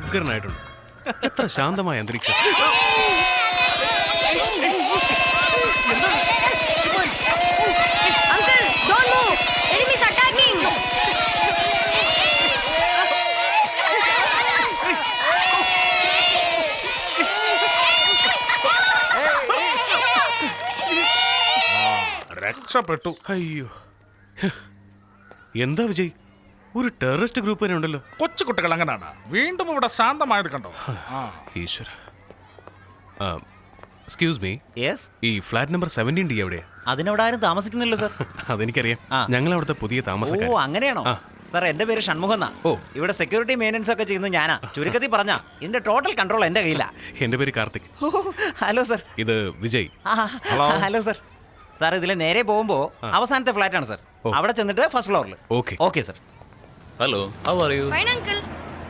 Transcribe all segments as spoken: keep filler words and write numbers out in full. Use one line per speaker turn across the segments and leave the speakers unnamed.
ഉഗ്രനായിട്ടുണ്ട്. എത്ര ശാന്തമായ അന്തരീക്ഷം.
രക്ഷപ്പെട്ടു.
അയ്യോ, എന്താ വിജയ്, ഒരു ടെററിസ്റ്റ് ഗ്രൂപ്പ് തന്നെ ഉണ്ടല്ലോ.
കൊച്ചു കുട്ടികൾ അങ്ങനെയാണ്. വീണ്ടും ഇവിടെ ശാന്തമായത് കണ്ടോ?
ഈശ്വര. എക്സ്ക്യൂസ് മീ,
യെസ്,
ഈ ഫ്ലാറ്റ് നമ്പർ സെവൻറ്റീൻ ഡി എവിടെയാ?
അതിനവിടെ ആരും താമസിക്കുന്നില്ല സർ.
അതെനിക്കറിയാം, ഞങ്ങൾ അവിടുത്തെ പുതിയ താമസക്കാർ.
ഓ അങ്ങനെയാണോ സാർ? എന്റെ പേര് ഷൺമുഖം എന്നാ.
ഓ,
ഇവിടെ സെക്യൂരിറ്റി മെയിൻ്റനൻസ് ഒക്കെ ചെയ്യുന്നത് ഞാനാ. ചുരുക്കത്തിൽ പറഞ്ഞാ ഇതിന്റെ ടോട്ടൽ കൺട്രോൾ എന്റെ കയ്യിലാ.
എന്റെ പേര് കാർത്തിക്.
Hello sir.
ഇത് വിജയ്.
Hello sir. സാർ ഇതിലെ നേരെ പോകുമ്പോ അവസാനത്തെ ഫ്ലാറ്റ് ആണ് സർ. അവിടെ ചെന്നിട്ട് ഫസ്റ്റ് ഫ്ലോറിൽ.
Okay
okay sir.
Hello, how are you?
Fine uncle.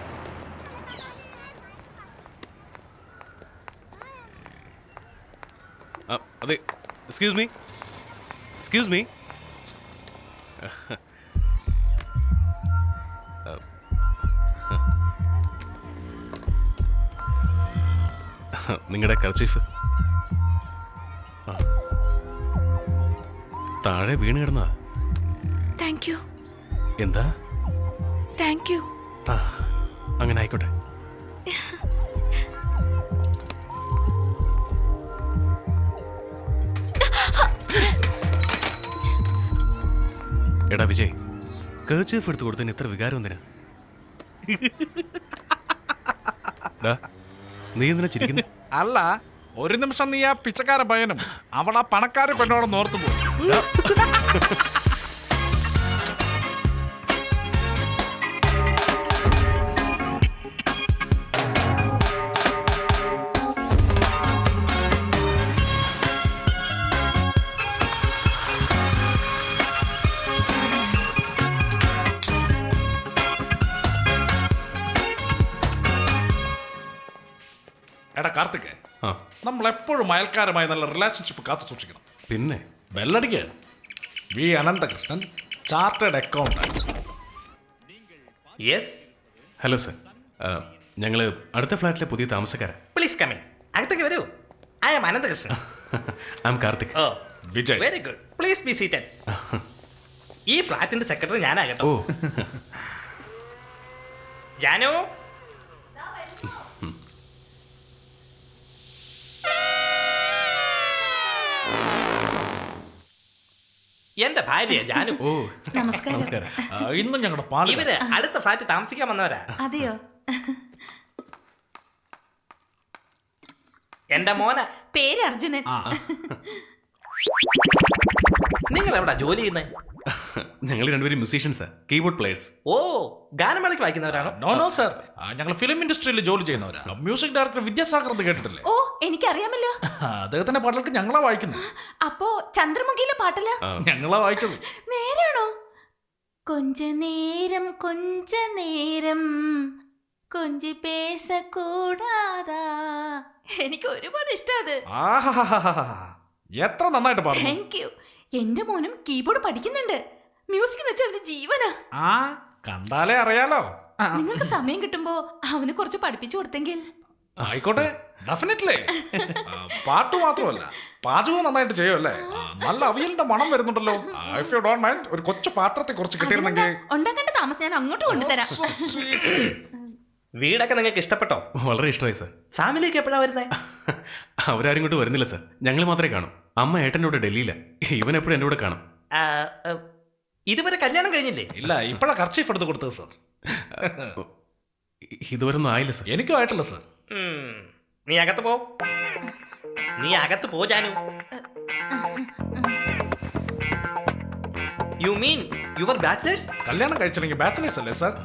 അതെ, എക്സ്ക്യൂസ് മീ, എക്സ്ക്യൂസ് മീ. നിങ്ങളുടെ കർച്ചീഫ് താഴെ വീണ് കിടന്നാ.
Thank you.
എന്താ?
Thank you.
ആ, അങ്ങനെ ആയിക്കോട്ടെ. എടാ വിജയ്, കർച്ചീഫ് എടുത്ത് കൊടുത്തതിന് ഇത്ര വികാരം എന്തിനാ? നീ എന്തിനാ ചിരിക്കുന്നു?
അല്ല, ഒരു നിമിഷം നീ ആ പിച്ചക്കാര പയ്യനും അവൾ ആ പണക്കാര പെണ്ണോട് ഓർത്തു പോകും. എടാ കാർത്തിക്, നമ്മൾ എപ്പോഴും അയൽക്കാരുമായി നല്ല റിലേഷൻഷിപ്പ് കാത്തു സൂക്ഷിക്കണം.
പിന്നെ
ബെല്ലടിക്ക്. V Ananthakrishnan, chartered accountant.
Yes.
Hello sir, ഞങ്ങൾ അടുത്ത ഫ്ലാറ്റിലെ പുതിയ താമസക്കാരാ.
Please come in. അകത്തേക്ക് വരൂ. I am Ananthakrishnan.
I am Karthik.
ഓ,
Vijay.
Very good. Please be seated. ഈ ഫ്ലാറ്റിന്റെ സെക്രട്ടറി ഞാനാകട്ടോ.
ഓ,
ജാനു. എന്റെ ഭാര്യ ജാനു.
ഓ,
നമസ്കാരം.
നമസ്കാരം.
ഇന്നും ഞങ്ങളുടെ പാട്.
ഇവര് അടുത്ത ഫ്ലാറ്റ് താമസിക്കാൻ വന്നവരാ.
അതെയോ?
എന്റെ മോന
പേര് അർജുനൻ.
നിങ്ങൾ എവിടാ ജോലി ചെയ്യുന്നത്?
ഞങ്ങൾ രണ്ടുപേരും മ്യൂസീഷ്യൻസാ, കീബോർഡ് പ്ലേയേഴ്സ്.
ഓ, ഗാനമേളയ്ക്ക് വായിക്കുന്നവരാണോ?
നോ നോ സർ, ഞങ്ങൾ ഫിലിം ഇൻഡസ്ട്രിയിൽ ജോലി ചെയ്യുന്നവരാണ്. മ്യൂസിക് ഡയറക്ടർ വിദ്യാസാഗർ എന്ന് കേട്ടിട്ടില്ലേ?
ഓ, എനിക്കറിയാമല്ലോ.
അദ്ദേഹത്തിന്റെ പാട്ടുകൾക്ക് ഞങ്ങളാ വായിക്കുന്നത്.
അപ്പോ ചന്ദ്രമുഖിയിലെ പാട്ടല്ല?
ഞങ്ങളാ വായിച്ചത്.
നേരാണോ? കൊഞ്ച നേരം കൊഞ്ച നേരം കൊഞ്ചി പേസ കൂടാതാ. എനിക്ക് ഒരുപാട് ഇഷ്ടത്.
എത്ര നന്നായിട്ട് പാടുന്നു.
Thank you. എന്റെ മോനും കീബോർഡ് പഠിക്കുന്നുണ്ട്. മ്യൂസിക് എന്ന് വെച്ചാൽ അവന് ജീവനാ.
ആ, കണ്ടാലേ അറിയാലോ.
നിങ്ങൾക്ക് സമയം കിട്ടുമ്പോ അവന് കുറച്ച് പഠിപ്പിച്ചു കൊടുത്തെങ്കിൽ.
ആയിക്കോട്ടെ, ഡെഫിനറ്റ്ലി. പാട്ട് മാത്രമല്ല, പാചകവും നന്നായിട്ട് ചെയ്യുമല്ലേ? നല്ല അവിയലിന്റെ മണം വരുന്നുണ്ടല്ലോ. ഇഫ് യു ഡോണ്ട് മൈൻഡ്, ഒരു കൊച്ചു പാത്രത്തെ കുറച്ച് കിട്ടിയിരുന്നെങ്കിൽ.
ഉണ്ടാക്കേണ്ട താമസം ഞാൻ അങ്ങോട്ട് കൊണ്ടുതരാം.
വീടൊക്കെ നിങ്ങൾക്ക് ഇഷ്ടപ്പെട്ടോ?
വളരെ ഇഷ്ടമായി സർ.
ഫാമിലിയൊക്കെ എപ്പോഴാ വരുന്നത്?
അവരാരും ഇങ്ങോട്ട് വരുന്നില്ല സർ, ഞങ്ങൾ മാത്രമേ കാണും. അമ്മ ഏട്ടൻ്റെ കൂടെ ഡൽഹിയില, ഇവൻ എപ്പോഴും എൻ്റെ കൂടെ കാണും.
ഇതുവരെ കല്യാണം കഴിഞ്ഞില്ലേ?
ഇല്ല, ഇപ്പഴാ കർച്ചീഫ് എടുത്ത് കൊടുത്തത് സർ.
ഇതുവരെ ഒന്നും ആയില്ല സർ.
എനിക്കും ആയിട്ടില്ല സർ.
നീ അകത്ത് പോ. നീ അകത്ത് പോ Janu. You mean your bachelors?
കല്യാണം കഴിച്ചില്ലെങ്കിൽ ബാച്ചിലേഴ്സ് അല്ലേ സർ?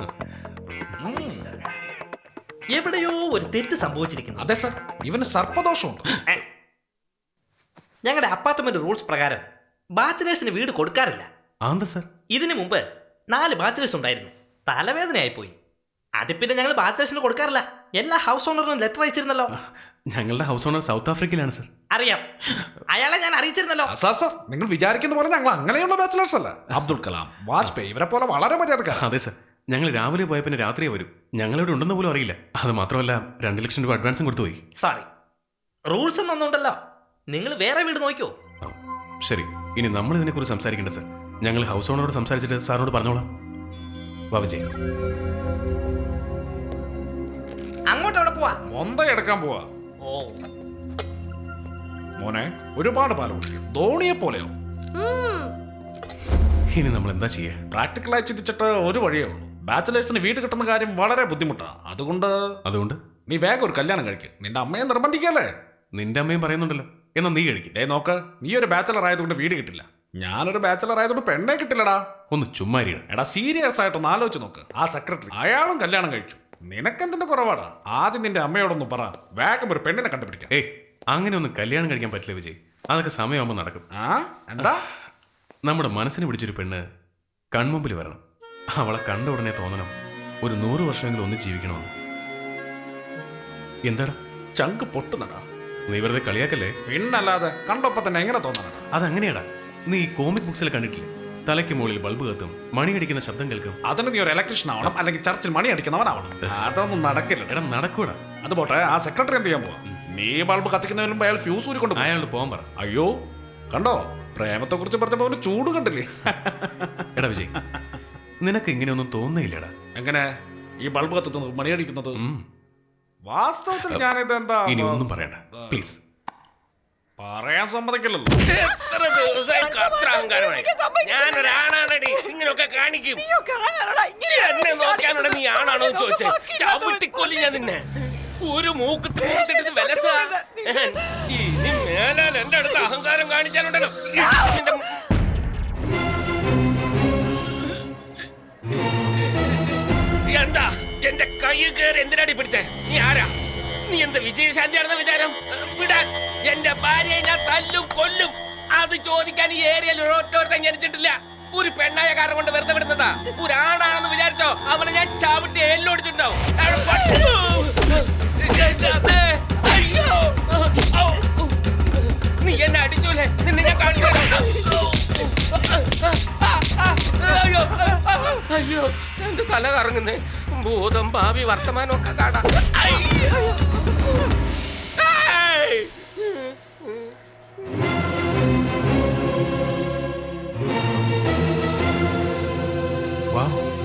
എവിടെയോ ഒരു തെറ്റ് സംഭവിച്ചിരിക്കുന്നു.
അതെ സർ, ഇവന് സർപ്പദോഷമുണ്ട്.
ഞങ്ങളുടെ അപ്പാർട്ട്മെന്റ് റൂൾസ് പ്രകാരം ബാച്ചിലേഴ്സിന് വീട് കൊടുക്കാറില്ല.
സർ,
ഇതിനു മുമ്പ് നാല് ബാച്ചിലേഴ്സ് ഉണ്ടായിരുന്നു. തലവേദനയായിപ്പോയി. അത് പിന്നെ ഞങ്ങൾ ബാച്ചിലേഴ്സിന് കൊടുക്കാറില്ല. എല്ലാ ഹൗസ് ഓണറിനും ലെറ്റർ അയച്ചിരുന്നല്ലോ.
ഞങ്ങളുടെ ഹൗസ് ഓണർ സൗത്ത് ആഫ്രിക്കയിലാണ് സർ.
അറിയാം, അയാളെ ഞാൻ അറിയിച്ചിരുന്നല്ലോ.
സാർ സാർ, നിങ്ങൾ വിചാരിക്കുന്ന പോലെ ഞങ്ങൾ അങ്ങനെയുള്ള ബാച്ചിലേഴ്സ് അല്ല. അബ്ദുൽ കലാം, വാജ്പേയി ഇവരെ പോലെ വളരെ മര്യാദക്കാരാണ്.
അതെ സർ, ഞങ്ങൾ രാവിലെ പോയ പിന്നെ രാത്രിയെ വരും. ഞങ്ങളിവിടെ ഉണ്ടെന്ന് പോലും അറിയില്ല. അത് മാത്രമല്ല രണ്ട് ലക്ഷം രൂപ അഡ്വാൻസും കൊടുത്തുപോയി.
സോറി, റൂൾസ് ഒന്നും ഉണ്ടല്ലോ. നിങ്ങൾ വേറെ വീട് നോക്കിയോ?
ആ, ശരി, ഇനി നമ്മൾ ഇതിനെക്കുറിച്ച് സംസാരിക്കേണ്ട സർ. ഞങ്ങൾ ഹൗസ് ഓണറോട് സംസാരിച്ചിട്ട് സാറിനോട് പറഞ്ഞോളാം. വാ വിജയ്.
അങ്ങോട്ട് എവിടെ പോവാ?
മൊന്ത എടുക്കാൻ പോവാ.
ഓ,
മോനെ ഒരുപാട് പാലം കുടിക്കും, ധോണിയെ പോലെയോ.
ഇനി നമ്മൾ എന്താ ചെയ്യുക?
പ്രാക്ടിക്കലായി ചിന്തിച്ചിട്ട് ഒരു വഴിയേ ഉള്ളൂ. ബാച്ചിലേഴ്സിന് വീട് കിട്ടുന്ന കാര്യം വളരെ ബുദ്ധിമുട്ടാണ്. അതുകൊണ്ട്
അതുകൊണ്ട്
നീ വേഗം ഒരു കല്യാണം കഴിക്ക്. നിന്റെ അമ്മയെ നിർബന്ധിക്കല്ലേ?
നിന്റെ അമ്മയും പറയുന്നുണ്ടല്ലോ, എന്നാ നീ കഴിക്കും.
ഡേ നോക്ക്, നീ ഒരു ബാച്ചലർ ആയതുകൊണ്ട് വീട് കിട്ടില്ല. ഞാനൊരു ബാച്ചലർ ആയതുകൊണ്ട് പെണ്ണെ കിട്ടില്ലടാ.
ഒന്ന് ചുമ്മാരിയാണ്.
എടാ സീരിയസ് ആയിട്ടൊന്ന് ആലോചിച്ച് നോക്ക്. ആ സെക്രട്ടറി അയാളും കല്യാണം കഴിച്ചു. നിനക്കെന്തിന്റെ കുറവാടാ? ആദ്യം നിന്റെ അമ്മയോടൊന്ന് പറ, വേഗം ഒരു പെണ്ണിനെ കണ്ടുപിടിക്കാം.
ഏയ്, അങ്ങനെ ഒന്നും കല്യാണം കഴിക്കാൻ പറ്റില്ല വിജയ്. അതൊക്കെ സമയമാകുമ്പോൾ നടക്കും.
ആ എന്താ?
നമ്മുടെ മനസ്സിന് പിടിച്ചൊരു പെണ്ണ് കൺമുമ്പിൽ വരണം. അവളെ കണ്ട ഉടനെ തോന്നണം ഒരു നൂറ് വർഷമെങ്കിലും ഒന്ന് ജീവിക്കണമെന്ന്. എന്താടാ
ചങ്ക് പൊട്ടുന്നടാ.
നീ വെറുതെ കളിയാക്കല്ലേ?
പിന്നല്ലാതെ കണ്ടപ്പോ തന്നെ എങ്ങനെ തോന്നണടാ?
അതങ്ങനെയാടാ. നീ ഈ കോമിക് ബുക്സിൽ കണ്ടിട്ടില്ലേ? തലയ്ക്ക് മുകളിൽ ബൾബ് കത്തും, മണിയടിക്കുന്ന ശബ്ദം കേൾക്കും.
അതിന് നീ ഒരു ഇലക്ട്രീഷ്യൻ ആവണം, അല്ലെങ്കിൽ ചർച്ചിൽ മണി അടിക്കുന്നവനാവണം. അതൊന്നും നടക്കില്ല.
എടാ നടക്കൂടാ.
അത് പോട്ടെ, ആ സെക്രട്ടറി എന്ത് ചെയ്യാൻ പോവാ? നീ ബൾബ് കത്തിക്കുന്നതിന് മുമ്പ് അയാൾ ഫ്യൂസ് ഊരിക്കൊണ്ട് പോകും.
അയാളോട് പോകാൻ പറ.
അയ്യോ, കണ്ടോ പ്രേമത്തെ കുറിച്ച് പറഞ്ഞപ്പോ അവന് ചൂട് കണ്ടില്ലേ?
എടാ വിജയ്, നിനക്ക് ഇങ്ങനെയൊന്നും തോന്നുന്നില്ലടാ.
എങ്ങനെ ഈ ബൾബ് കത്തുന്നത്, മണിയടിക്കുന്നത്?
ഉം.
വാസ്തവത്തിൽ ഞാനിത് എന്താ
ഇനി ഒന്നും പറയണ്ട പ്ലീസ്.
പറയാൻ സമ്മതിക്കില്ലല്ലോ.
എത്ര ദിവസമായി അത്ര അഹങ്കാരമായി. ഞാനൊരാണാണടി, ഇങ്ങനെയൊക്കെ കാണിക്കും. എന്നെ നോക്കാനാണ് നീ ആണാണോ ചോദിച്ചേ? ചവിട്ടിക്കൊല്ലി ഞാൻ നിന്നെ. ഒരു മൂക്ക് തീർത്തിട്ട് വിലസ. ഇനി മേലാൽ എന്റെ അടുത്ത് അഹങ്കാരം കാണിച്ചാലുണ്ടല്ലോ. നിന്റെ എന്താ എന്റെ കൈ കയറി എന്തിനാടി പിടിച്ചേ? നീ ആരാ? നീ എന്താ വിജയശാന്തിയാണെന്ന വിചാരം? വിടാൻ എന്റെ ഭാര്യയെ ഞാൻ തല്ലും കൊല്ലും. അത് ചോദിക്കാൻ ഈ ഏരിയയിൽ ഒരോറ്റോർത്തും ജനിച്ചിട്ടില്ല. ഒരു പെണ്ണായ കാരണം കൊണ്ട് വെറുതെ വിടുന്നതാ. ഒരാണാണെന്ന് വിചാരിച്ചോ അവനെ ഞാൻ ചവിട്ടി എല്ലോടിച്ചിട്ടുണ്ടാവും. അയ്യോ, നീ എന്നെ അടിച്ചൂലേ? നിന്നെ ഞാൻ കാണിച്ചു. അയ്യോ അയ്യോ, എന്റെ തല കറങ്ങുന്നേ. ഭൂതം ഭാവി വർത്തമാനം ഒക്കെ കാണാം.
വാ.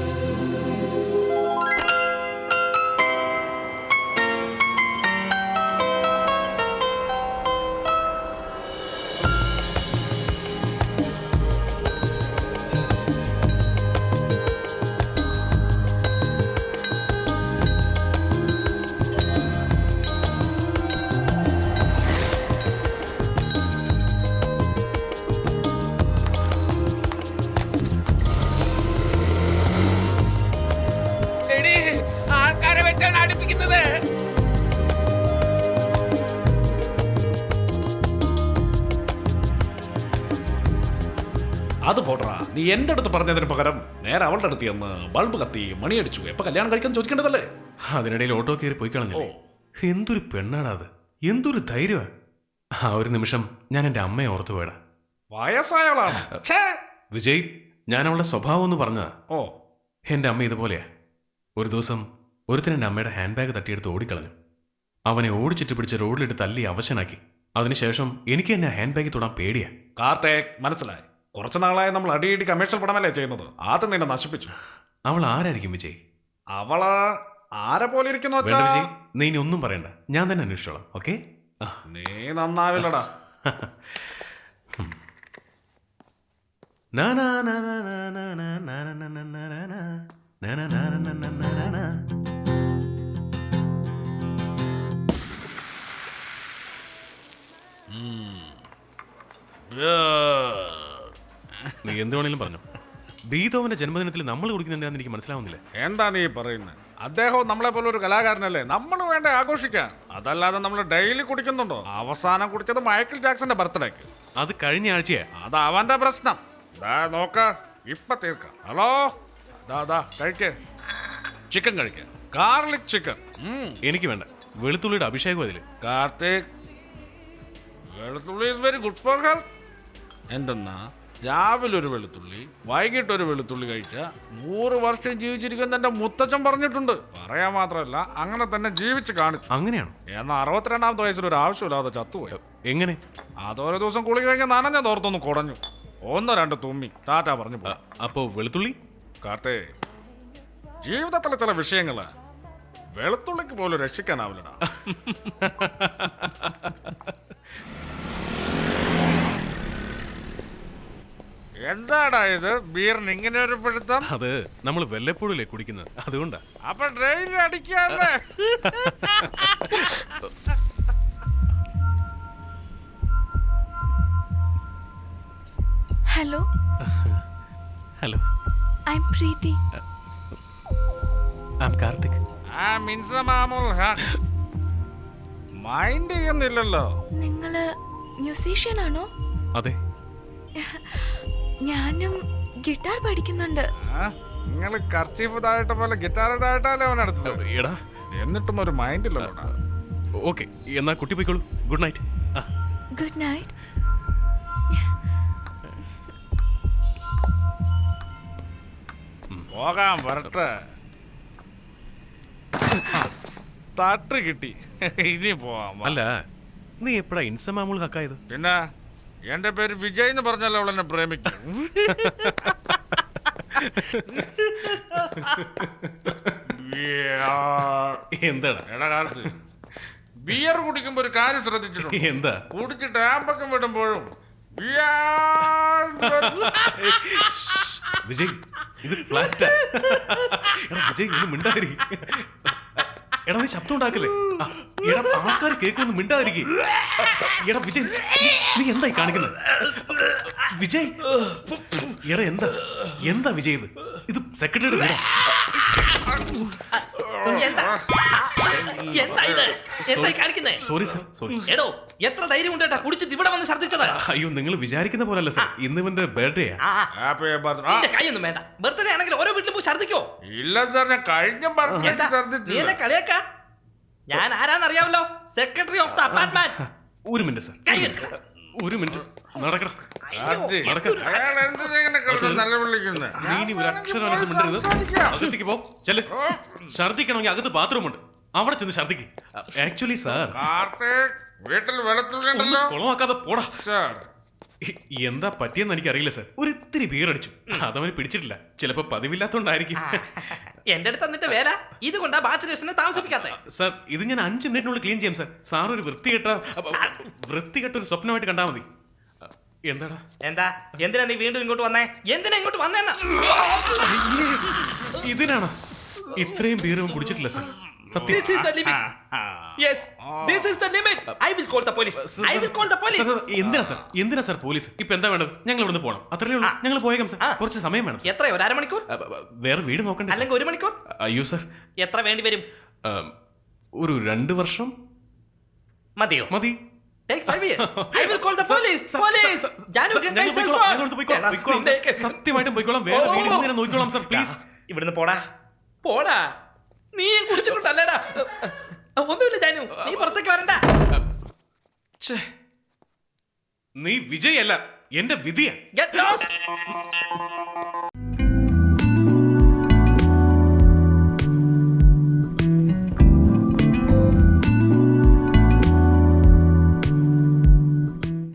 ആൾക്കാരെ വെച്ചാണ് അടുപ്പിക്കുന്നത്.
അത് പോട്ടാ, നീ എന്റെ അടുത്ത് പറഞ്ഞതിന് പകരം നേരെ അവളുടെ അടുത്ത് ചെന്ന് ബൾബ് കത്തി മണിയടിച്ചു. എപ്പൊ കല്യാണം കഴിക്കാൻ ചോദിക്കേണ്ടതല്ലേ?
അതിനിടയിൽ ഓട്ടോ കയറി പോയി കളഞ്ഞില്ലേ? എന്തൊരു പെണ്ണാടാ അത്, എന്തൊരു ധൈര്യമാ. ആ ഒരു നിമിഷം ഞാൻ എൻ്റെ അമ്മയെ ഓർത്തു പോയടാ.
വയസ്സായവളാണ്.
വിജയ്, ഞാൻ അവളുടെ സ്വഭാവം എന്ന് പറഞ്ഞതാ.
ഓ,
എൻ്റെ അമ്മ ഇതുപോലെയാ. ഒരു ദിവസം ഒരുത്തൻ എൻ്റെ അമ്മയുടെ ഹാൻഡ് ബാഗ് തട്ടിയെടുത്ത് ഓടിക്കളഞ്ഞു. അവനെ ഓടിച്ചിട്ട് പിടിച്ച് റോഡിലിട്ട് തല്ലി അവശനാക്കി. അതിനുശേഷം എനിക്ക് എന്നെ ഹാൻഡ് ബാഗിൽ തൊടാൻ പേടിയാ.
കാർത്തേക്, മനസ്സിലായി. കുറച്ചു നാളായി നമ്മൾ അടിയിടി കമേഴ്ഷ്യൽ പടമല്ലേ ചെയ്യുന്നത്. ആദ്യം നിന്നെ നശിപ്പിച്ചു.
അവൾ ആരായിരിക്കും വിജയ്?
അവള് ആരെ പോലെ ഇരിക്കുന്നു
വേണ്ട വിജയ്, നീ ഇനി ഒന്നും പറയണ്ട. ഞാൻ തന്നെ അന്വേഷിച്ചോളാം. ഓക്കെ?
നീ നന്നാവില്ലടാ.
നീ എന്ത് വേണേലും പറഞ്ഞു. ബീതോവന്റെ ജന്മദിനത്തിൽ നമ്മൾ കുടിക്കുന്ന എന്തിനാന്ന് എനിക്ക് മനസ്സിലാവുന്നില്ല.
എന്താ നീ പറയുന്നത്? അദ്ദേഹവും നമ്മളെ പോലെ ഒരു കലാകാരനല്ലേ. നമ്മൾ വേണ്ട ആഘോഷിക്കാൻ. അതല്ലാതെ നമ്മൾ ഡെയിലി കുടിക്കുന്നുണ്ടോ? അവസാനം കുടിച്ചത് മൈക്കിൾ ജാക്സന്റെ ബർത്ത്ഡേക്ക്.
അത് കഴിഞ്ഞ ആഴ്ചയാ.
അത് അവന്റെ പ്രശ്നം. നോക്ക, ഇപ്പൊ തീർക്ക. ഹലോ, ദാ കഴിക്കേ, ചിക്കൻ കഴിക്ക, ഗാർലിക് ചിക്കൻ.
എനിക്ക് വേണ്ട. വെളുത്തുള്ളിയുടെ അഭിഷേകം അതില്.
കാർത്തിക്, വെളുത്തുള്ളി is very good for health. എന്തെന്നാ രാവിലെ ഒരു വെളുത്തുള്ളി വൈകിട്ട് ഒരു വെളുത്തുള്ളി കഴിച്ച നൂറ് വർഷം ജീവിച്ചിരിക്കുന്ന എന്റെ മുത്തച്ഛൻ പറഞ്ഞിട്ടുണ്ട്. പറയാൻ മാത്രമല്ല അങ്ങനെ തന്നെ ജീവിച്ച് കാണിച്ചു.
അങ്ങനെയാണോ?
എന്നാൽ അറുപത്തിരണ്ടാമത്തെ വയസ്സിൽ ഒരു ആവശ്യമില്ലാതെ ചത്തുപോയി.
എങ്ങനെ?
അതോരോ ദിവസം കുളി കഴിഞ്ഞ് നനഞ്ഞ തോർത്തൊന്ന് കുടഞ്ഞു, ഒന്ന് രണ്ട് തുമ്മി ടാറ്റ പറഞ്ഞു പോയി.
അപ്പോ വെളുത്തുള്ളി
കാർത്തേ, ജീവിതത്തിലെ ചില വിഷയങ്ങള് വെളുത്തുള്ളിക്ക് പോലും രക്ഷിക്കാനാവില്ലടാ. എന്താടാ ഇത് ബീറിന് ഇങ്ങനെ ഒരു പിടുത്തം?
അത് നമ്മൾ വല്ലപ്പോഴല്ലേ കുടിക്കുന്നത്, അതുകൊണ്ടാ.
അപ്പൊ ട്രെയിൻ അടിക്കാല്ലേ?
Hello,
hello,
I am Preethi.
I am Karthik.
ആ മിൻസ മാമൂൽ മൈൻഡ് ചെയ്യുന്നില്ലല്ലോ.
നിങ്ങള് മ്യൂസീഷ്യൻ ആണോ?
അതെ.
ഞാനും ഗിറ്റാർ പഠിക്കുന്നുണ്ട്.
നിങ്ങൾ കർച്ചീഫ് താഴട്ട പോലെ ഗിറ്റാർ താഴട്ടല്ലേ അവൻ എടുത്തത്.
എടാ,
എന്നിട്ടും ഒരു മൈൻഡ് ഇല്ലല്ലോടാ.
ഓക്കെ, എന്നാ കുട്ടി പോയിക്കോളൂ. Good night.
Good night.
പോകാൻ വരട്ടെ. തട്ട് കിട്ടി, ഇനി പോവാം.
അല്ല, നീ എപ്പോഴാ ഇൻസമാമൂൾ ഹക്കായത്?
പിന്നെ എന്റെ പേര് വിജയ് എന്ന് പറഞ്ഞല്ലോ അവൾ എന്നെ പ്രേമിക്കും.
എന്താടാ?
എടാ കാലത്ത് ബിയർ കുടിക്കുമ്പോ ഒരു കാര്യം ശ്രദ്ധിച്ചിട്ടുണ്ട്.
എന്താ?
കുടിച്ചിട്ട് ആമ്പക്കം വിടുമ്പോഴും ബിയർ
വിജയ്, ഇത് ഫ്ലാറ്റാ. എടാ വിജയ്, ഒന്ന് മിണ്ടാതിരി. എടാ നീ ശബ്ദം ഉണ്ടാക്കല്ലേ. ആ, എടാ ആൾക്കാർ കേൾക്കൊന്ന് മിണ്ടാതിരിക്കേ. എടാ വിജയ്, നീ- നീ എന്തായി കാണിക്കുന്നത്? വിജയ്, എടാ എന്താ എന്താ വിജയ് ഇത്? ഇത് സെക്രട്ടറിയുടെ വീടാ.
എന്താ എന്താ ഇത് എന്തായി കാണിക്കുന്നേ?
Sorry sir, sorry.
എടോ, എത്ര ധൈര്യം ഉണ്ടേട്ടാ കുടിച്ചിട്ട് ഇവിടെ വന്ന് ഛർദ്ദിച്ചത്?
അയ്യോ, നിങ്ങൾ വിചാരിക്കുന്ന പോലല്ല സർ. ഇന്ന് ഇവന്റെ ബർത്ത്ഡേ
ആ,
ഹാപ്പി ബർത്ത്ഡേ.
നിന്റെ കൈയൊന്നും വേണ്ട. ബർത്ത്ഡേ ആണെങ്കിൽ ഓരോ വീട്ടിലും പോയി ഛർദ്ദിക്കോ?
ഇല്ല സാർ, ഞാൻ കഴിഞ്ഞ
എന്താ നീ എന്നെ കളിയാക്കാ? ഞാൻ ആരാന്നറിയാമല്ലോ, സെക്രട്ടറി ഓഫ് ദ അപ്പാർട്ട്മെന്റ്.
ഒരു മിനിറ്റ് സർ,
കൈ എടുക്ക.
ഒരു മിനിറ്റ്. നടക്കടാ.
അയാൾ എന്തിനെ നല്ല വിളിക്കുന്നത്?
നീ ഇനി ഒരു അക്ഷരം അകത്ത് മിണ്ടരുത്. അകത്തേക്ക് പോ. ചെല്ല്. ഛർദ്ദിക്കണമെങ്കിൽ അകത്ത് ബാത്റൂം ഉണ്ട്, അവിടെ ചെന്ന് ഛർദ്ദിക്ക്. ആക്ച്വലി സാർ,
വീട്ടിൽ വെളുത്തുള്ളി
ഒന്ന്
ഉണ്ടല്ലോ
കുളമാക്കാതെ പോടാ.
സാർ.
ഇ- എന്താ പറ്റിയെന്ന് എനിക്ക് അറിയില്ല സാർ. ഒരു ഇത്തിരി ബിയർ അടിച്ചു, അതവന് പിടിച്ചിട്ടില്ല. ചിലപ്പോ പതിവില്ലാത്തോണ്ടായിരിക്കും.
എന്റെ അടുത്ത് എന്നിട്ട് വേല ഇത് കൊണ്ടാ ബാച്ചിലേഴ്സിനെ താമസിപ്പിക്കാത്ത.
സാർ, ഇത് ഞാൻ അഞ്ച് മിനിറ്റിനുള്ളിൽ ക്ലീൻ ചെയ്യാം സാർ. സാർ ഒരു വൃത്തികെട്ട അപ്പ- വൃത്തികെട്ട ഒരു സ്വപ്നമായിട്ട് കണ്ടാൽ മതി. എന്താടാ?
എന്താ എന്തിനാ നീ വീണ്ടും ഇങ്ങോട്ട് വന്നേ? എന്തിനാ ഇങ്ങോട്ട് വന്നേന്നാ?
ഇതിനാണോ? ഇത്രയും ബിയറും കുടിച്ചിട്ടില്ല സാർ, സത്യം.
This is the limit. Yes, this is the limit. I will call the police. I will call the police.
Sir, sir, എന്തിനാ സാർ എന്തിനാ സാർ പോലീസ്? ഇപ്പൊ എന്താ വേണ്ടത്? ഞങ്ങൾ ഇവിടുന്ന് പോകണം, അത്രേ ഉള്ളൂ. ഞങ്ങൾ പോയേക്കാം സാർ. കുറച്ച് സമയം വേണം സാർ.
എത്രയോ, ഒരു അരമണിക്കൂർ
അ, അ, വേറെ വീട് നോക്കണ്ടേ സാർ?
അല്ലെങ്കിൽ ഒരു മണിക്കൂർ?
അയ്യോ സാർ,
എത്ര വേണ്ടി വരും?
ഉം, ഒരു രണ്ട് വർഷം
മതിയോ?
മതി.
Take five years. I will call the
sir,
police.
Sir,
Police.
Sir,
Janu,
sir,
get
ഞങ്ങൾ
myself
പോയിക്കോളാം,
out.
ഞങ്ങൾ ഇവിടുന്ന് പോയിക്കോളാം,
എടാ,
പോയിക്കോളാം സാർ.
നിന്റെ-
സത്യമായിട്ടും പോയിക്കോളാം. വേറെ വീട് ഇന്ന് തന്നെ നോക്കിക്കോളാം സാർ, പ്ലീസ്.
ഇവിടുന്ന് പോടാ പോടാ. നീ കുടിച്ചിട്ടുണ്ടല്ലേടാ? ഒന്നുമില്ല ജാനു, നീ പുറത്തേക്ക് വരണ്ട.
ഛേ, നീ വിജയ് അല്ല, എന്റെ വിധിയാ.
Get lost.